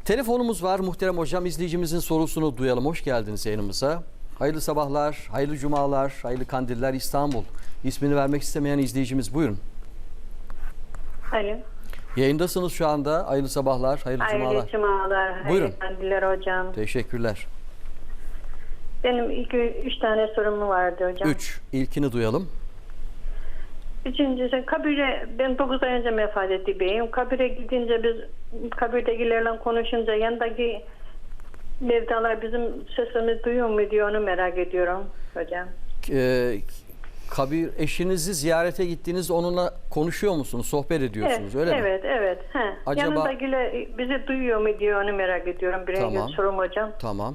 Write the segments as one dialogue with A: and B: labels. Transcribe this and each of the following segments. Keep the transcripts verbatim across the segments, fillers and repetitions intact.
A: Telefonumuz var muhterem hocam. İzleyicimizin sorusunu duyalım. Hoş geldiniz yayınımıza. Hayırlı sabahlar, hayırlı cumalar, hayırlı kandiller İstanbul. İsmini vermek istemeyen izleyicimiz buyurun.
B: Alo.
A: Yayındasınız şu anda. Hayırlı sabahlar, hayırlı,
B: Hayırlı
A: cumalar.
B: cumalar. Hayırlı
A: Buyurun.
B: kandiller hocam.
A: Teşekkürler.
B: Benim ilk üç tane sorum vardı hocam.
A: Üç. İlkini duyalım.
B: Üçüncüsü kabire, ben dokuz ay önce vefat etti beyim. Kabire gidince biz kabirdekilerle konuşunca yanındaki mevtalar bizim sesimizi duyuyor mu diye onu merak ediyorum hocam.
A: Ee, kabir eşinizi ziyarete gittiğinizde onunla konuşuyor musunuz? Sohbet ediyorsunuz
B: Evet,
A: öyle mi?
B: evet, evet. He.
A: Acaba-
B: Yanındakiler bizi duyuyor mu diye onu merak ediyorum. Birinci
A: Tamam.
B: sorum hocam.
A: Tamam.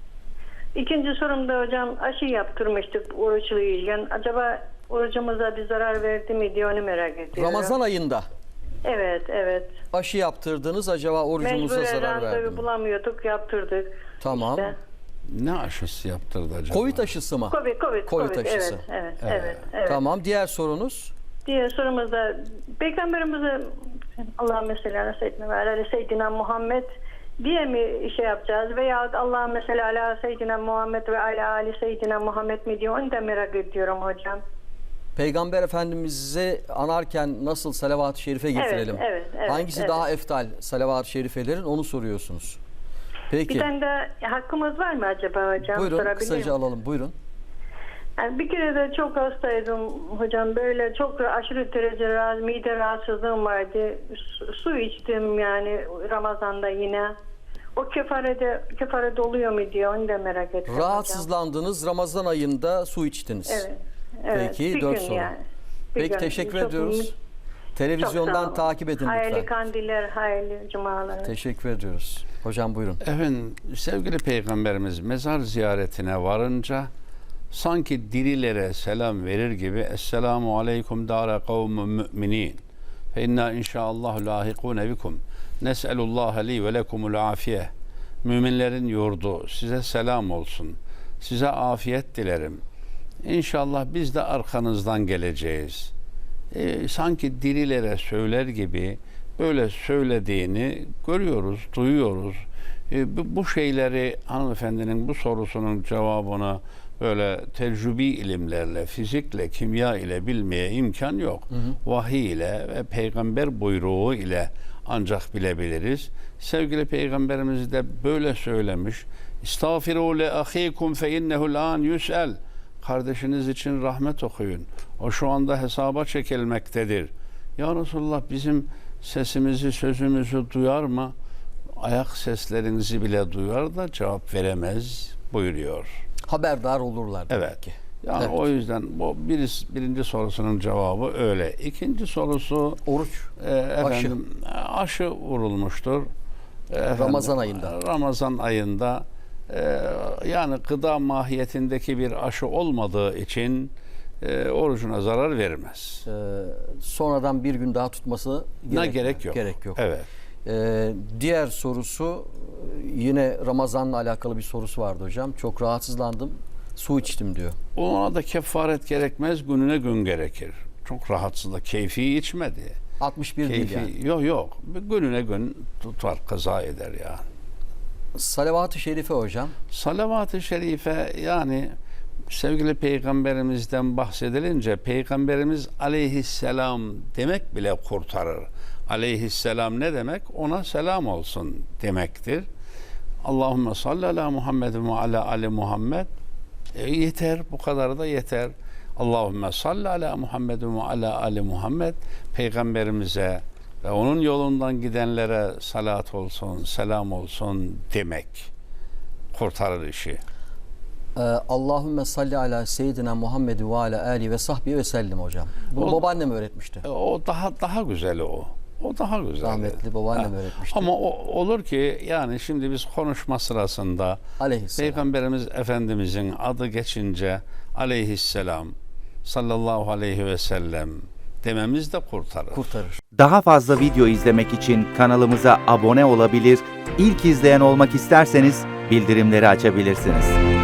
B: İkinci sorumda hocam aşı yaptırmıştık oruçluyken. Acaba orucumuza bir zarar verdi mi diye onu merak ediyorum.
A: Ramazan ayında
B: Evet, evet.
A: aşı yaptırdınız. Acaba orucumuza
B: Mecburen
A: zarar verdi
B: randevu
A: mi?
B: bulamıyorduk, yaptırdık.
A: Tamam.
B: İşte.
C: Ne aşısı yaptırdı acaba?
A: Covid aşısı mı?
B: Covid, Covid,
A: Covid
B: Covid.
A: aşısı.
B: Evet, evet, evet, evet.
A: Tamam. Diğer sorunuz?
B: Diğer sorumuzda Peygamberimize Allah'ın mesela Seyyidina ve Alâ Seyyidina Muhammed diye mi şey yapacağız veya Allah'ın mesela Alâ Seyyidina Muhammed ve Alâ Ali Seyyidina Muhammed mi diye onu da merak ediyorum hocam.
A: Peygamber Efendimiz'i anarken nasıl salavat-ı şerife getirelim?
B: Evet, evet, evet,
A: Hangisi
B: evet.
A: daha eftal salavat-ı şerifelerin onu soruyorsunuz. Peki.
B: Bir tane de hakkımız var mı acaba hocam?
A: Buyurun
B: Sorabilir
A: kısaca
B: miyim?
A: alalım. Buyurun.
B: Yani bir kere de çok hastaydım hocam. Böyle çok aşırı derece rahatsız, mide rahatsızlığım vardı. Su, su içtim yani Ramazan'da yine. O kefarede, kefarede oluyor mu diye onu da merak ettim hocam.
A: Rahatsızlandınız. Ramazan ayında su içtiniz.
B: Evet. Evet.
A: Peki,
B: bir
A: dört
B: gün
A: soru.
B: yani. Bir
A: Peki
B: gün.
A: teşekkür
B: Çok-
A: ediyoruz.
B: çok sağ
A: Televizyondan
B: olun.
A: takip edin
B: Hayırlı
A: lütfen.
B: kandiller, hayırlı cumalar.
A: Teşekkür ediyoruz. Hocam buyurun.
C: Efendim sevgili Peygamberimiz mezar ziyaretine varınca sanki dirilere selam verir gibi Esselamu aleyküm dâre kavmun müminin fe inna inşaallahu lahikûne bikum nes'elullâhe li ve lekumul afiye. Müminlerin yurdu size selam olsun. Size afiyet dilerim. İnşallah biz de arkanızdan geleceğiz. E, sanki dirilere söyler gibi böyle söylediğini görüyoruz, duyuyoruz. E, bu, bu şeyleri hanımefendinin bu sorusunun cevabını böyle tecrübi ilimlerle, fizikle, kimya ile bilmeye imkan yok. Hı hı. Vahiy ile ve peygamber buyruğu ile ancak bilebiliriz. Sevgili Peygamberimiz de böyle söylemiş. İstağfiru le ahikum fe innehu l'an yus'el. Kardeşiniz için rahmet okuyun. O şu anda hesaba çekilmektedir. Ya Resulullah bizim sesimizi, sözümüzü duyar mı? Ayak seslerinizi bile duyar da cevap veremez buyuruyor.
A: Haberdar olurlar. demek
C: Evet.
A: ki.
C: Yani
A: Evet.
C: o yüzden bu bir, birinci sorusunun cevabı öyle. İkinci sorusu
A: Oruç.
C: e, efendim aşı, vurulmuştur. E, efendim,
A: Ramazan ayında.
C: Ramazan ayında e, yani gıda mahiyetindeki bir aşı olmadığı için e, orucuna zarar vermez.
A: Ee, sonradan bir gün daha tutması
C: Ne
A: gerek,
C: gerek yok.
A: Gerek yok.
C: Evet.
A: Ee, diğer sorusu yine Ramazan'la alakalı bir sorusu vardı hocam. Çok rahatsızlandım. Su içtim diyor.
C: Ona da kefaret gerekmez, gününe gün gerekir. Çok rahatsızlık, keyfi içmedi.
A: altmış bir değil
C: Keyfi,
A: yani.
C: yok yok. Gününe gün tutar, kaza eder yani.
A: Salavat-ı şerife hocam.
C: Salavat-ı şerife yani sevgili peygamberimizden bahsedilince peygamberimiz aleyhisselam demek bile kurtarır. Aleyhisselam ne demek? Ona selam olsun demektir. Allahümme salli ala Muhammed ve ala ali Muhammed. E, yeter, bu kadar da yeter. Allahümme salli ala Muhammed ve ala ali Muhammed. Peygamberimize ve onun yolundan gidenlere salat olsun, selam olsun demek kurtarır işi.
A: Ee, Allahümme salli ala seyyidina Muhammed ve ala ali ve sahbihi ve sellim hocam. Bunu
C: O-
A: babaannem öğretmişti.
C: E, O daha daha güzeli o. O daha güzel.
A: Rahmetli babaannem
C: Ha.
A: öğretmişti.
C: Ama o, olur ki yani şimdi biz konuşma sırasında
A: Aleyhisselam.
C: Peygamberimiz Efendimizin adı geçince aleyhisselam sallallahu aleyhi ve sellem dememiz de kurtarır.
A: Kurtarır.
D: Daha fazla video izlemek için kanalımıza abone olabilir, ilk izleyen olmak isterseniz bildirimleri açabilirsiniz.